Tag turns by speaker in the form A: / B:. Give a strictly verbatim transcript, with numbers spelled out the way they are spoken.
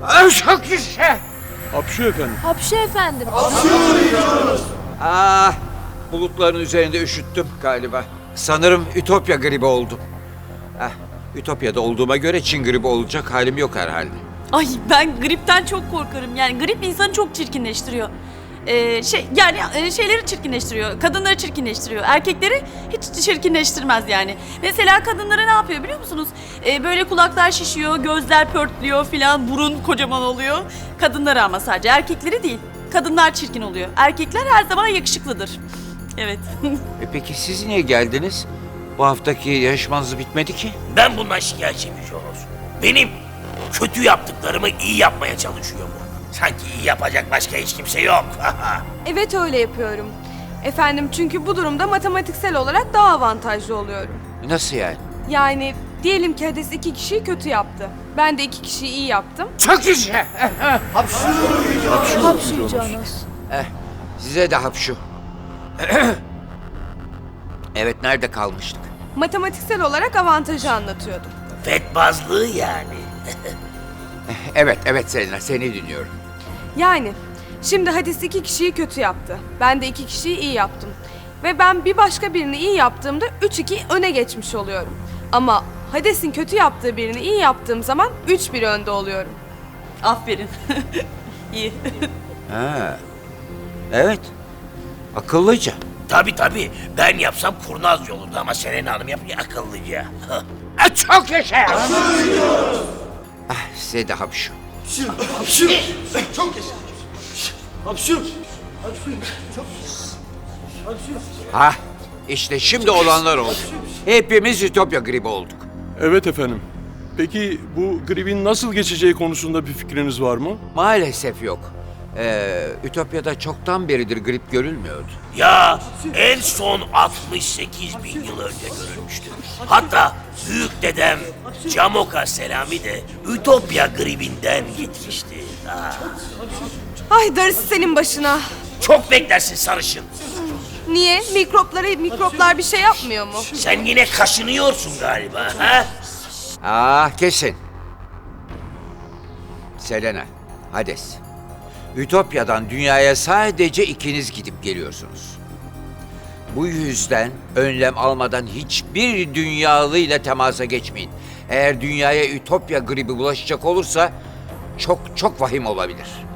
A: Çok güzel.
B: Hapşu efendim.
C: Hapşu efendim.
A: Ah, bulutların üzerinde üşüttüm galiba. Sanırım Ütopya gribi oldum. Ah, Ütopya'da olduğuma göre Çin gribi olacak halim yok herhalde.
D: Ay ben gripten çok korkarım. Yani grip insanı çok çirkinleştiriyor. Ee, şey yani e, şeyleri çirkinleştiriyor. Kadınları çirkinleştiriyor. Erkekleri hiç çirkinleştirmez yani. Mesela kadınlara ne yapıyor biliyor musunuz? Ee, böyle kulaklar şişiyor, gözler pörtlüyor filan, burun kocaman oluyor. Kadınları ama sadece erkekleri değil. Kadınlar çirkin oluyor. Erkekler her zaman yakışıklıdır. Evet.
A: E peki siz niye geldiniz? Bu haftaki yarışmanız bitmedi ki.
E: Ben bundan şikayetçiyim Joros. Benim kötü yaptıklarımı iyi yapmaya çalışıyor bu. Sanki iyi yapacak başka hiç kimse yok.
F: Evet öyle yapıyorum. Efendim çünkü bu durumda matematiksel olarak daha avantajlı oluyorum.
A: Nasıl yani?
F: Yani diyelim ki Hades iki kişiyi kötü yaptı. Ben de iki kişiyi iyi yaptım.
A: Çok güzel.
C: Hapşu Canos.
A: Eh, size de hapşu. Evet, nerede kalmıştık?
F: Matematiksel olarak avantajı anlatıyordum.
E: Fetbazlığı yani.
A: Evet, evet Selena, seni dinliyorum.
F: Yani şimdi Hades iki kişiyi kötü yaptı. Ben de iki kişiyi iyi yaptım. Ve ben bir başka birini iyi yaptığımda üç iki öne geçmiş oluyorum. Ama Hades'in kötü yaptığı birini iyi yaptığım zaman üç bir önde oluyorum.
D: Aferin. İyi.
A: Ha. Evet. Akıllıca.
E: Tabii tabii. Ben yapsam kurnazca olurdu ama Selena Hanım yapınca akıllıca.
A: Ah, çok yaşa. Ah, size de hapşu. Ha, işte şimdi olanlar oldu. Hepimiz Ütopya gribi olduk.
B: Evet efendim. Peki bu gripin nasıl geçeceği konusunda bir fikriniz var mı?
A: Maalesef yok. Ee, Ütopya'da çoktan beridir grip görülmüyordu.
E: Ya en son altmış sekiz bin yıl önce görülmüştü. Hatta büyük dedem Camoka Selami de Ütopya gribinden gitmişti. Ha.
F: Ay darısı senin başına.
E: Çok beklersin sarışın.
F: Niye? Mikroplara mikroplar bir şey yapmıyor mu?
E: Sen yine kaşınıyorsun galiba. Ha?
A: Ah, kesin. Selena, Hades. Ütopya'dan dünyaya sadece ikiniz gidip geliyorsunuz. Bu yüzden önlem almadan hiçbir dünyalıyla temasa geçmeyin. Eğer dünyaya Ütopya gribi bulaşacak olursa çok çok vahim olabilir.